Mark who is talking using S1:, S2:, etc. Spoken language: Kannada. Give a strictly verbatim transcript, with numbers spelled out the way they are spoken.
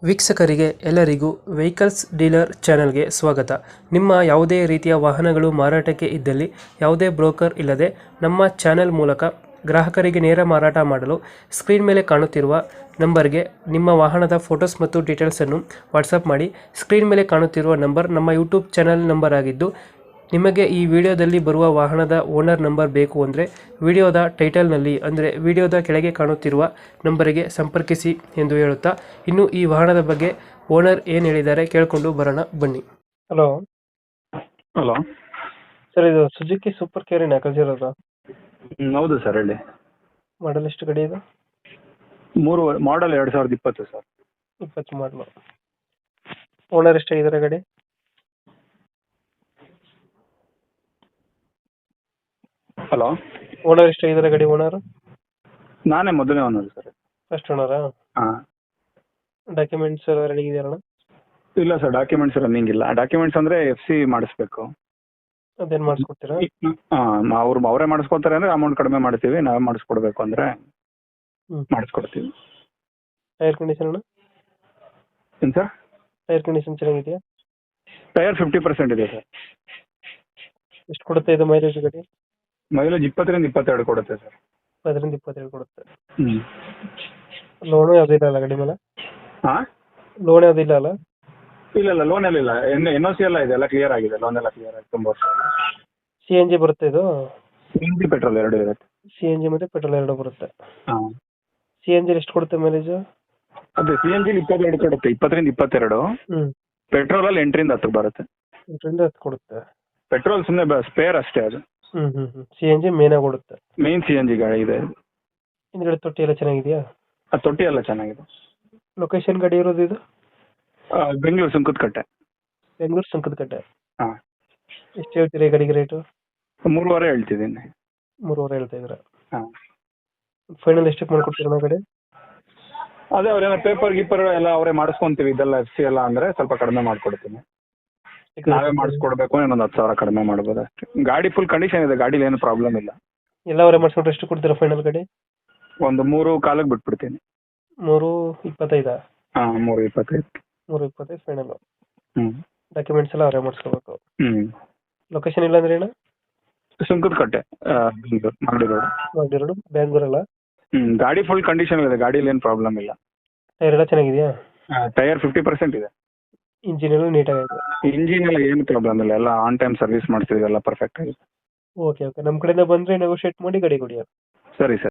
S1: ವೀಕ್ಷಕರಿಗೆ ಎಲ್ಲರಿಗೂ ವೆಹಿಕಲ್ಸ್ ಡೀಲರ್ ಚಾನೆಲ್ಗೆ ಸ್ವಾಗತ. ನಿಮ್ಮ ಯಾವುದೇ ರೀತಿಯ ವಾಹನಗಳು ಮಾರಾಟಕ್ಕೆ ಇದ್ದಲ್ಲಿ ಯಾವುದೇ ಬ್ರೋಕರ್ ಇಲ್ಲದೆ ನಮ್ಮ ಚಾನೆಲ್ ಮೂಲಕ ಗ್ರಾಹಕರಿಗೆ ನೇರ ಮಾರಾಟ ಮಾಡಲು ಸ್ಕ್ರೀನ್ ಮೇಲೆ ಕಾಣುತ್ತಿರುವ ನಂಬರ್ಗೆ ನಿಮ್ಮ ವಾಹನದ ಫೋಟೋಸ್ ಮತ್ತು ಡೀಟೇಲ್ಸನ್ನು ವಾಟ್ಸಪ್ ಮಾಡಿ. ಸ್ಕ್ರೀನ್ ಮೇಲೆ ಕಾಣುತ್ತಿರುವ ನಂಬರ್ ನಮ್ಮ ಯೂಟ್ಯೂಬ್ ಚಾನೆಲ್ ನಂಬರ್ ಆಗಿದ್ದು, ನಿಮಗೆ ಈ ವಿಡಿಯೋದಲ್ಲಿ ಬರುವ ವಾಹನದ ಓನರ್ ನಂಬರ್ ಬೇಕು ಅಂದರೆ ವಿಡಿಯೋದ ಟೈಟಲ್ನಲ್ಲಿ ಅಂದರೆ ವಿಡಿಯೋದ ಕೆಳಗೆ ಕಾಣುತ್ತಿರುವ ನಂಬರಿಗೆ ಸಂಪರ್ಕಿಸಿ ಎಂದು ಹೇಳುತ್ತಾ, ಇನ್ನು ಈ ವಾಹನದ ಬಗ್ಗೆ ಓನರ್ ಏನು ಹೇಳಿದ್ದಾರೆ ಕೇಳಿಕೊಂಡು ಬರೋಣ ಬನ್ನಿ. ಹಲೋ
S2: ಹಲೋ
S1: ಸರ್, ಇದು ಸುಜುಕಿ ಸೂಪರ್ ಕೇರಿನ ಕಳಿಸಿರೋದು?
S2: ಹೌದು ಸರ್, ಹೇಳಿ.
S1: ಮಾಡಲ್ ಎಷ್ಟು ಗಡಿ ಇದು?
S2: ಮೂರು ಮಾಡಲ್ ಎರಡು ಸಾವಿರದ ಇಪ್ಪತ್ತು ಸರ್.
S1: ಇಪ್ಪತ್ತು ಮಾಡಲು. ಓನರ್ ಎಷ್ಟಾಗಿದ್ದಾರೆ ಗಾಡಿ?
S2: ಹಲೋ,
S1: ಓನರ್ ಎಷ್ಟಾಗಿದ್ದಾರೆ ಗಾಡಿ? ಓನರ್
S2: ನಾನೇ ಮೊದಲನೇ ಓನರ್ ಸರ್.
S1: ಫಸ್ಟ್ ಓನರಾ?
S2: ಹಾಂ.
S1: ಡಾಕ್ಯುಮೆಂಟ್ಸ್ ಎಲ್ಲ ರೆಡಿ ಇದೆಯಲ್ಲ?
S2: ಇಲ್ಲ ಸರ್, ಡಾಕ್ಯುಮೆಂಟ್ಸ್ ರನ್ನಿಂಗ್ ಇಲ್ಲ. ಡಾಕ್ಯುಮೆಂಟ್ಸ್ ಅಂದರೆ ಎಫ್ ಸಿ ಮಾಡಿಸ್ಬೇಕು.
S1: ಅದೇನು ಮಾಡಿಸ್ಕೊಡ್ತೀರಾ?
S2: ಹಾಂ, ಅವ್ರು ಅವರೇ ಮಾಡಿಸ್ಕೊತಾರೆ ಅಂದರೆ ಅಮೌಂಟ್ ಕಡಿಮೆ ಮಾಡ್ತೀವಿ. ನಾವೇ ಮಾಡಿಸ್ಕೊಡ್ಬೇಕು ಅಂದರೆ ಮಾಡಿಸ್ಕೊಡ್ತೀವಿ.
S1: ಟೈರ್ ಕಂಡೀಷನ್ ಅಣ್ಣ?
S2: ಏನು ಸರ್?
S1: ಟೈರ್ ಕಂಡೀಷನ್ ಚೆನ್ನಾಗಿದೆಯಾ?
S2: ಟೈರ್ ಫಿಫ್ಟಿ ಪರ್ಸೆಂಟ್ ಇದೆ ಸರ್.
S1: ಎಷ್ಟು ಕೊಡುತ್ತೆ ಇದು ಮೈಲೇಜ್ ಗಾಡಿ?
S2: ಮೈಲೇಜ್ ಇಪ್ಪತ್ತರಿಂದ ಇಪ್ಪತ್ತೆರಡು ಕೊಡುತ್ತೆ ಸರ್.
S1: ಅದರಿಂದ ಇಪ್ಪತ್ತೇಳು ಕೊಡುತ್ತೆ.
S2: ಹ್ಞೂ.
S1: ಲೋನು ಯಾವುದೂ ಇಲ್ಲ ಅಲ್ಲ ಗಾಡಿ ಮೇಲೆ?
S2: ಹಾಂ,
S1: ಲೋನ್ ಯಾವುದೂ ಇಲ್ಲ ಅಲ್ಲ?
S2: ಇಲ್ಲ ಇಲ್ಲ, ಲೋನ್ ಎಲ್ಲ ಇಲ್ಲ. ಎನ್ ಎನ್ ಒ ಸಿ ಎಲ್ಲ ಇದೆ, ಎಲ್ಲ ಕ್ಲಿಯರ್ ಆಗಿದೆ. ಲೋನ್ ಎಲ್ಲ ಕ್ಲಿಯರ್ ಆಗಿದೆ ತುಂಬ ವರ್ಷ.
S1: ಸಿ ಎನ್ ಜಿ ಬರುತ್ತೆ ಇದು?
S2: ಸಿ ಎನ್ ಜಿ ಪೆಟ್ರೋಲ್ ಎರಡು ಇರುತ್ತೆ.
S1: ಸಿ ಎನ್ ಜಿ ಮತ್ತು ಪೆಟ್ರೋಲ್ ಎರಡು ಬರುತ್ತೆ.
S2: ಹಾಂ.
S1: ಸಿ ಎನ್ ಜಿ ಎಷ್ಟು ಕೊಡುತ್ತೆ ಮೈಲೇಜು?
S2: ಅದೇ ಸಿ ಎನ್ ಜಿಲಿ ಇಪ್ಪತ್ತೆರಡು ಕೊಡುತ್ತೆ, ಇಪ್ಪತ್ತರಿಂದ ಇಪ್ಪತ್ತೆರಡು.
S1: ಹ್ಞೂ.
S2: ಪೆಟ್ರೋಲಲ್ಲಿ ಎಂಟರಿಂದ ಹತ್ತು ಬರುತ್ತೆ.
S1: ಎಂಟರಿಂದ ಹತ್ತು ಕೊಡುತ್ತೆ.
S2: ಪೆಟ್ರೋಲ್ ಸುಮ್ಮನೆ ಸ್ಪೇರ್ ಅಷ್ಟೇ ಅದು.
S1: ಹ್ಞೂ ಹ್ಞೂ ಹ್ಞೂ ಸಿ ಎನ್ ಜಿ ಮೇನಾಗಿ ಕೊಡುತ್ತೆ.
S2: ಮೇನ್ ಸಿ ಎನ್ ಜಿ ಗಾಡಿ ಇದೆ.
S1: ಹಿಂದ್ಗಡೆ ತೊಟ್ಟಿ ಎಲ್ಲ ಚೆನ್ನಾಗಿದೆಯಾ?
S2: ಆ ತೊಟ್ಟಿ ಎಲ್ಲ ಚೆನ್ನಾಗಿದೆ.
S1: ಲೊಕೇಶನ್ ಗಾಡಿ ಇರೋದು ಇದು?
S2: ಆ, ಬೆಂಗಳೂರು ಸುಂಕದಕಟ್ಟೆ.
S1: ಬೆಂಗಳೂರು ಸುಂಕದಕಟ್ಟೆ.
S2: ಹಾಂ.
S1: ಎಷ್ಟು ಹೇಳ್ತೀರಿ ಗಾಡಿಗೆ ರೇಟು?
S2: ಮೂರುವರೆ ಹೇಳ್ತಿದ್ದೀನಿ.
S1: ಮೂರುವರೆ ಹೇಳ್ತಾ ಇದ್ದೀರಾ?
S2: ಹಾಂ.
S1: ಫೈನಲ್ ಎಷ್ಟಕ್ಕೆ ಮಾಡ್ಕೊಡ್ತೀರಾ ಗಾಡಿ?
S2: ಅದೇ ಅವ್ರೇನೋ ಪೇಪರ್ ಗೀಪರ್ ಎಲ್ಲ ಅವರೇ ಮಾಡಿಸ್ಕೊಂತೀವಿ, ಇದೆಲ್ಲ ಎಫ್ ಸಿ ಎಲ್ಲ ಅಂದರೆ ಸ್ವಲ್ಪ ಕಡಿಮೆ ಮಾಡಿಕೊಡ್ತೀನಿ. ನಾವೇ ಮಾಡಿಸ್ಕೊಡ್ಬೇಕು, ಇನ್ನೊಂದು ಹತ್ತು ಸಾವಿರ ಕಡಿಮೆ ಮಾಡ್ಬೋದು ಅಷ್ಟೇ. ಗಾಡಿ ಫುಲ್ ಕಂಡೀಷನ್ ಇದೆ, ಗಾಡೀಲಿ ಏನು ಪ್ರಾಬ್ಲಮ್ ಇಲ್ಲ.
S1: ಎಲ್ಲ ಅವರೇ ಮಾಡಿಸ್ಕೊಂಡ್ರೆ ಎಷ್ಟು ಕೊಡ್ತೀರಾ ಫೈನಲ್ ಗಾಡಿ?
S2: ಒಂದು ಮೂರು ಕಾಲಕ್ಕೆ ಬಿಟ್ಬಿಡ್ತೀನಿ.
S1: ಮೂರು ಇಪ್ಪತ್ತೈದಾ?
S2: ಹಾಂ, ಮೂರು ಇಪ್ಪತ್ತೈದು.
S1: ಮೂರು ಇಪ್ಪತ್ತೈದು ಫೈನಲ್ಲು.
S2: ಹ್ಞೂ.
S1: ಡಾಕ್ಯುಮೆಂಟ್ಸ್ ಎಲ್ಲ ಅವರೇ ಮಾಡಿಸ್ಕೋಬೇಕು.
S2: ಹ್ಞೂ.
S1: ಲೊಕೇಶನ್ ಇಲ್ಲ ಅಂದ್ರೆ ಏನು?
S2: ಸುಂಕದಕಟ್ಟೆ, ಬೆಂಗಳೂರು ಮಾಗಡಿ ರೋಡ್.
S1: ಮಾಗಡಿ ರೋಡ್, ಬೆಂಗಳೂರಲ್ಲ?
S2: ಹ್ಞೂ. ಗಾಡಿ ಫುಲ್ ಕಂಡೀಷನ್ ಇದೆ, ಗಾಡೀಲಿ ಏನು ಪ್ರಾಬ್ಲಮ್ ಇಲ್ಲ.
S1: ಟೈರ್ ಎಲ್ಲ ಚೆನ್ನಾಗಿದೆಯಾ?
S2: ಟೈರ್ ಫಿಫ್ಟಿ ಪರ್ಸೆಂಟ್ ಇದೆ.
S1: ಇಂಜಿನ್ ಎಲ್ಲ ನೀಟಾಗಿದೆ?
S2: ಇಂಜಿನ್ ಎಲ್ಲ ಏನು ಪ್ರಾಬ್ಲಮ್ ಇಲ್ಲ, ಎಲ್ಲ ಆನ್ ಟೈಮ್ ಸರ್ವಿಸ್ ಮಾಡ್ತೀವಿ, ಎಲ್ಲ ಪರ್ಫೆಕ್ಟ್ ಆಗಿದೆ.
S1: ಓಕೆ ಓಕೆ ನಮ್ಮ ಕಡೆಯಿಂದ ಬಂದರೆ ನೆಗೋಷಿಯೇಟ್ ಮಾಡಿ ಗಾಡಿ ಕೊಡಿ.
S2: ಸರಿ ಸರ್.